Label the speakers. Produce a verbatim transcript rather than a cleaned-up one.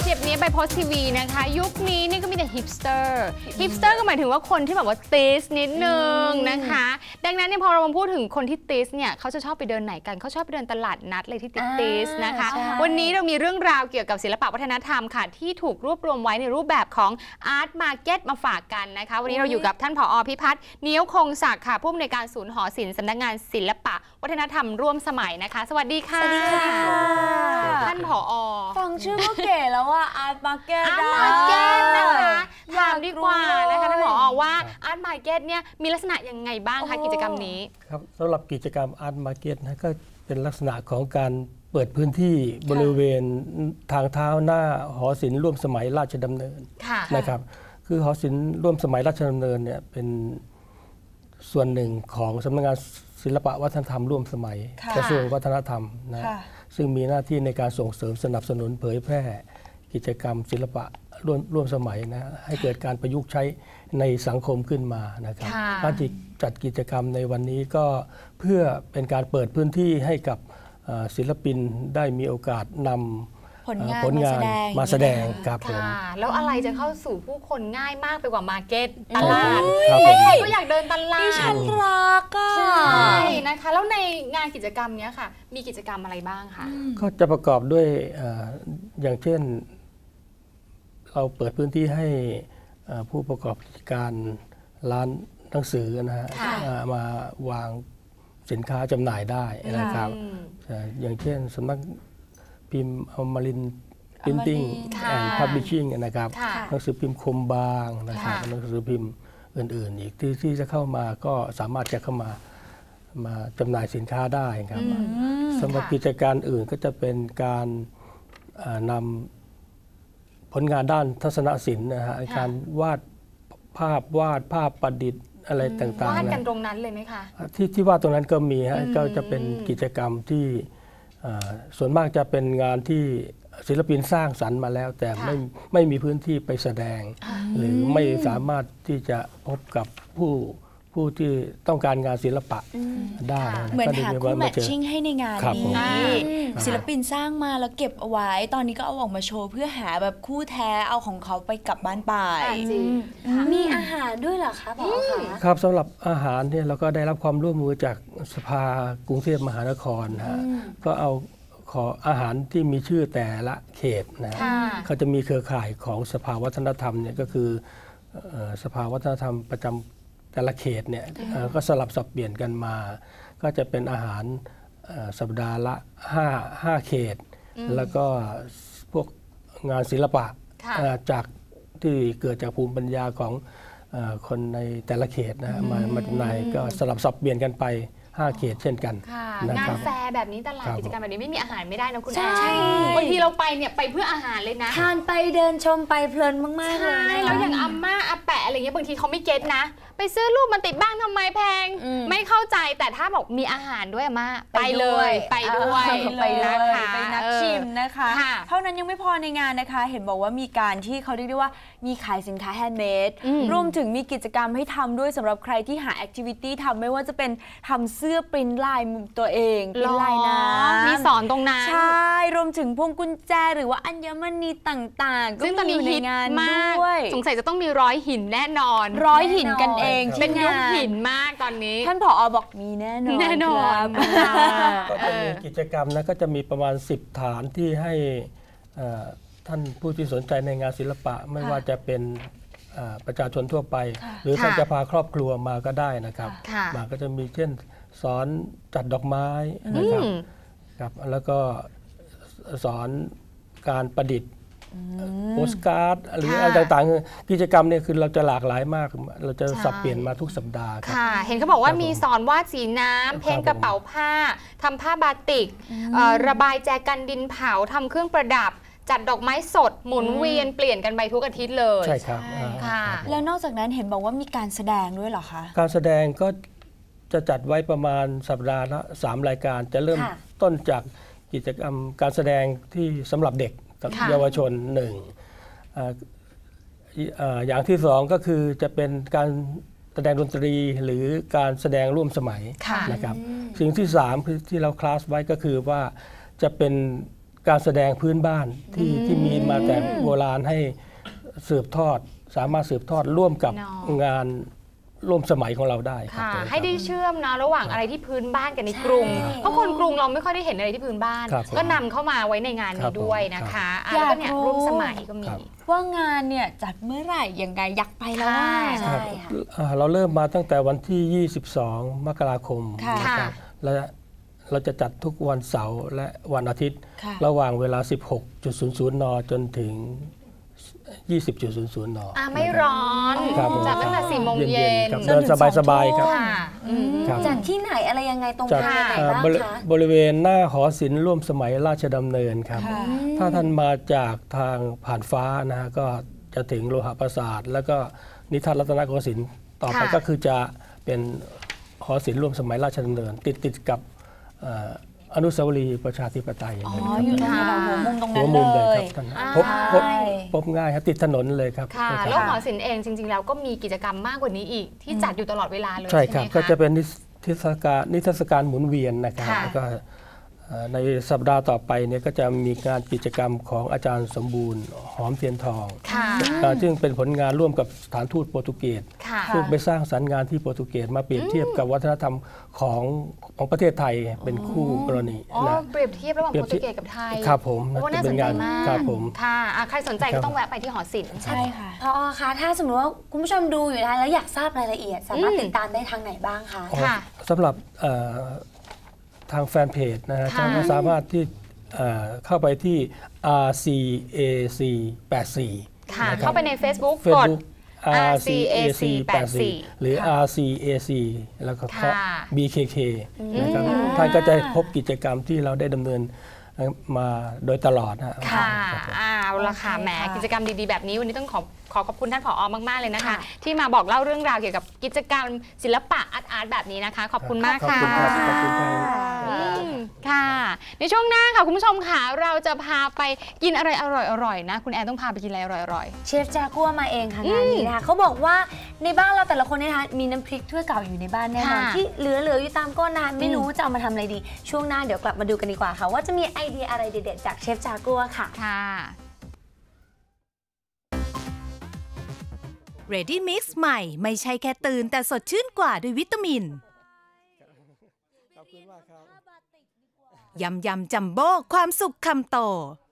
Speaker 1: เจ็บนี้ไปโพสทีวีนะคะยุคนี้นี่ก็มีแต่ฮิปสเตอร์ฮิปสเตอร์ก็หมายถึงว่าคนที่แบบว่าติสนิดนึงนะคะดังนั้นเนี่ยพอเราพูดถึงคนที่ติสเนี่ยเขาจะชอบไปเดินไหนกันเขาชอบไปเดินตลาดนัดเลยที่ติดติสนะคะวันนี้เรามีเรื่องราวเกี่ยวกับศิลปะวัฒนธรรมค่ะที่ถูกรวบรวมไว้ในรูปแบบของอาร์ตมาร์เก็ตมาฝากกันนะคะวันนี้เราอยู่กับท่านผอ.พิพัฒน์เนี้ยวคงศักดิ์ค่ะผู้อำนวยการศูนย์หอศิลป์สำนักงานศิลปะวัฒนธรรมร่วมสมัยนะคะสวัสดีค่ะสวัสดีค่ะท่านผอ.
Speaker 2: ฟังชื่อก็เก๋แล้วว่าอาร์ตมาร์เก็ต
Speaker 1: อาร์ตมาร์เก็ตนะคะถามดีกว่านะคะท่านผอ.ว่าอาร์ตมาร์เก็ตเนี่ยมีลักษณะยังไงบ้างคะกิจกรรมนี้
Speaker 3: ครับสำหรับกิจกรรมอาร์ตมาร์เก็ตนะก็เป็นลักษณะของการเปิดพื้นที่บริเวณทางเท้าหน้าหอศิลป์ร่วมสมัยราชดำเนินนะครับคือหอศิลป์ร่วมสมัยราชดำเนินเนี่ยเป็นส่วนหนึ่งของสำนักงานศิลปะวัฒนธรรมร่วมสมัยกระทรวงวัฒนธรรมนะซึ่งมีหน้าที่ในการส่งเสริมสนับสนุนเผยแพร่กิจกรรมศิลปะร่วมร่วมสมัยนะให้เกิดการประยุกต์ใช้ในสังคมขึ้นมานะครับการจัดกิจกรรมในวันนี้ก็เพื่อเป็นการเปิดพื้นที่ให้กับศิลปินได้มีโอกาสนำผลงาน, ผลงานมาแสดงครับผม
Speaker 1: แล้วอะไรจะเข้าสู่ผู้คนง่ายมากไปกว่ามาร์เก็ตตลาดใครๆก็อยากเดินตลาด
Speaker 2: ดิฉันรักอ่ะ
Speaker 1: ใช่นะคะแล้วในงานกิจกรรมนี้ค่ะมีกิจกรรมอะไรบ้างคะ
Speaker 3: ก็จะประกอบด้วยอย่างเช่นเราเปิดพื้นที่ให้ผู้ประกอบกิจการร้านหนังสือนะฮะมาวางสินค้าจำหน่ายได้นะครับอย่างเช่นสำนักพิมพ์อมรินทร์พิมพ์ติ้งแอนด์พับลิชชิ่งนะครับหนังสือพิมพ์คมบางนะครับหนังสือพิมพ์อื่นๆอีกที่ที่จะเข้ามาก็สามารถจะเข้ามามาจำหน่ายสินค้าได้ครับสำหรับกิจการอื่นก็จะเป็นการนำผลงานด้านทัศนศิลป์นะฮะการวาดภาพวาดภาพประดิษฐ์อะไรต่างๆ
Speaker 1: วาดกันตรงนั้นเลยไหมคะ
Speaker 3: ที่ที่วาดตรงนั้นก็มีฮะก็จะเป็นกิจกรรมที่ส่วนมากจะเป็นงานที่ศิลปินสร้างสรรค์มาแล้วแต่ไม่ไม่มีพื้นที่ไปแสดงหรือไม่สามารถที่จะพบกับผู้ผู้ที่ต้องการงานศิลปะได้
Speaker 2: เหมือนหาคู่แมทชิ่งให้ในงานนี้ศิลปินสร้างมาแล้วเก็บเอาไว้ตอนนี้ก็เอาออกมาโชว์เพื่อหาแบบคู่แท้เอาของเขาไปกลับบ้านไปมีอาหารด้วยเหรอคะผอ.คะ
Speaker 3: ครับสำหรับอาหารเนี่ยเราก็ได้รับความร่วมมือจากสภากรุงเทพมหานครฮะก็เอาขออาหารที่มีชื่อแต่ละเขตนะเขาจะมีเครือข่ายของสภาวัฒนธรรมเนี่ยก็คือสภาวัฒนธรรมประจำแต่ละเขตเนี่ยก็สลับสับเปลี่ยนกันมาก็จะเป็นอาหารสัปดาห์ละห้า ห้าเขตแล้วก็พวกงานศิลปะจากที่เกิดจากภูมิปัญญาของคนในแต่ละเขตนะมามาจำหน่ายก็สลับสับเปลี่ยนกันไปห้าเขตเช่นกัน
Speaker 1: งานแฟร์แบบนี้ตลาดกิจกรรมแบบนี้ไม่มีอาหารไม่ได้นะคุณแอนบางทีเราไปเนี่ยไปเพื่ออาหารเลยนะ
Speaker 2: ทานไปเดินชมไปเพลินมากๆเลย
Speaker 1: แล้วอย่างอาม่าอาแปะอะไรเงี้ยบางทีเขาไม่เก็ตนะไปซื้อรูปมันติดบ้างทำไมแพงไม่เข้าใจแต่ถ้าบอกมีอาหารด้วยอาม่าไปเลยไปด้วย
Speaker 2: ไปเลยไปนักชิมนะคะเท่านั้นยังไม่พอในงานนะคะเห็นบอกว่ามีการที่เขาเรียกได้ว่ามีขายสินค้าแฮนด์เมดรวมถึงมีกิจกรรมให้ทำด้วยสำหรับใครที่หาแอคทิวิตี้ทำไม่ว่าจะเป็นทำเสื้อปริ้นลายตัวเองปริ้นลายน้ำ
Speaker 1: มีสอนตรงนั้น
Speaker 2: ใช่รวมถึงพวงกุญแจหรือว่าอัญมณีต่างๆก็มีอยู่ในงานด้วย
Speaker 1: สงสัยจะต้องมีร้อยหินแน่นอน
Speaker 2: ร้อยหินกันเอง
Speaker 1: เป็นยุคหินมากตอนนี้
Speaker 2: ท่านผอ.บอกมีแน่นอน
Speaker 1: แน่นอน
Speaker 3: ก็จะมีกิจกรรมนะก็จะมีประมาณสิบฐานที่ให้ท่านผู้ที่สนใจในงานศิลปะไม่ว่าจะเป็นประชาชนทั่วไปหรือท่านจะพาครอบครัวมาก็ได้นะครับมาก็จะมีเช่นสอนจัดดอกไม้นะครับครับแล้วก็สอนการประดิษฐ์โปสการ์ดหรืออะไรต่างๆกิจกรรมเนี่ยคือเราจะหลากหลายมากเราจะสับเปลี่ยนมาทุกสัปดาห์ครับ
Speaker 1: เห็นเขาบอกว่ามีสอนวาดสีน้ำเพ้นกระเป๋าผ้าทำผ้าบาติกระบายแจกันดินเผาทำเครื่องประดับจัดดอกไม้สดหมุนเวียนเปลี่ยนกันไปทุกอาทิตย์เลย
Speaker 3: ใช่ครับ
Speaker 1: ค่ะ
Speaker 2: แล้วนอกจากนั้นเห็นบอกว่ามีการแสดงด้วยเหรอคะ
Speaker 3: การแสดงก็จะจัดไว้ประมาณสัปดาห์ละสามรายการจะเริ่มต้นจากกิจกรรมการแสดงที่สำหรับเด็กกับเยาวชนหนึ่งอย่างที่สองก็คือจะเป็นการแสดงดนตรีหรือการแสดงร่วมสมัยนะครับสิ่งที่สามที่เราคลาสไว้ก็คือว่าจะเป็นการแสดงพื้นบ้านที่ที่มีมาแต่โบราณให้สืบทอดสามารถสืบทอดร่วมกับงานร่วมสมัยของเราได้ครับ
Speaker 1: ค่ะให้ได้เชื่อมนะระหว่างอะไรที่พื้นบ้านกับในกรุงเพราะคนกรุงเราไม่ค่อยได้เห็นอะไรที่พื้นบ้านก็นำเข้ามาไว้ในงานนี้ด้วยนะคะแล้วก็เนี่ยร่วมสมัยก็มี
Speaker 2: ว่างานเนี่ยจัดเมื่อไหร่ยังไงอยากไปแล้วว่า
Speaker 3: ใช่เราเริ่มมาตั้งแต่วันที่ยี่สิบสองมกราคมนะครับและเราจะจัดทุกวันเสาร์และวันอาทิตย์ระหว่างเวลา สิบหกน น.จนถึง ยี่สิบน.น.
Speaker 1: อ่าไม่ร้อนจัดตั้งแต่สี่โมงเย็น
Speaker 3: เดินสบายๆครับ
Speaker 4: จัดที่ไหนอะไรยังไงตรงไหนบ้างคะ
Speaker 3: บริเวณหน้าหอศิลป์ร่วมสมัยราชดำเนินครับถ้าท่านมาจากทางผ่านฟ้านะฮะก็จะถึงโลหะปราสาทแล้วก็นิทรรศรัตนโกสินทร์ต่อไปก็คือจะเป็นหอศิลป์ร่วมสมัยราชดำเนินติดติดกับอนุสาวรีย์ประชาธิปไตย
Speaker 2: อ๋ออยู่ทางหัวมุมตรงนั้นเลย
Speaker 3: พบพบพบง่ายครับติดถนนเลยครับ
Speaker 1: ค่ะแล้วหอศิลป์เองจริงๆแล้วก็มีกิจกรรมมากกว่านี้อีกที่จัดอยู่ตลอดเวลาเลย
Speaker 3: ใช่ครับก็จะเป็นนิทรรศการนิทรรศการหมุนเวียนนะครับแล้วก็ในสัปดาห์ต่อไปเนี่ยก็จะมีงานกิจกรรมของอาจารย์สมบูรณ์หอมเทียนทองซึ่งเป็นผลงานร่วมกับสถานทูตโปรตุเกสซึ่งไปสร้างสรรค์งานที่โปรตุเกสมาเปรียบเทียบกับวัฒนธรรมของของประเทศไทยเป็นคู่กรณี
Speaker 1: นะเปรียบเทียบระหว่างโปรตุเกสกับไทย
Speaker 3: ครับผม
Speaker 1: น่าสนใจมาก
Speaker 3: ครับผม
Speaker 1: ค่ะใครสนใจก็ต้องแวะไปที่หอศิลป์
Speaker 4: ใช่ค่ะพอคะถ้าสมมติว่าคุณผู้ชมดูอยู่นะแล้วอยากทราบรายละเอียดสามารถติดตามได้ทางไหนบ้างคะ
Speaker 3: ค่ะสำหรับทางแฟนเพจนะฮะท่านก็สามารถที่เข้าไปที่ อาร์ ซี เอ ซี แปดสี่
Speaker 1: ค่ะเข้าไปใน Facebook กด
Speaker 3: อาร์ ซี เอ ซี แปดสี่ หรือ อาร์ ซี เอ ซี แล้วก็เคาะ บี เค เค นะครับท่านก็จะพบกิจกรรมที่เราได้ดำเนินมาโดยตลอดนะ
Speaker 1: ค่ะเอาละค่ะแหมกิจกรรมดีๆแบบนี้วันนี้ต้องขอขอขอบคุณท่านผอ.มากๆเลยนะคะที่มาบอกเล่าเรื่องราวเกี่ยวกับกิจกรรมศิลปะอาร์ตอาร์ตแบบนี้นะคะขอบคุณมากค่ะ
Speaker 3: ขอบคุณครับ
Speaker 1: ค่ะในช่วงหน้าค่ะคุณผู้ชมค่ะเราจะพาไปกินอะไรอร่อยๆนะคุณแอนต้องพาไปกินอะไรอร่อย
Speaker 4: ๆเชฟจากัวมาเองค่ะงานนี้นะคะเขาบอกว่าในบ้านเราแต่ละคนนะคะมีน้ำพริกถ้วยเก่าอยู่ในบ้านแน่นอนที่เหลือๆอยู่ตามก้นนานไม่รู้จะเอามาทำอะไรดีช่วงหน้าเดี๋ยวกลับมาดูกันดีกว่าค่ะว่าจะมีไอเดียอะไรเด็ดๆจากเชฟจากัวค่ะ
Speaker 1: ค่ะ
Speaker 5: Ready Mix ใหม่ไม่ใช่แค่ตื่นแต่สดชื่นกว่าด้วยวิตามินยำยำจัมโบ้ความสุขคำโต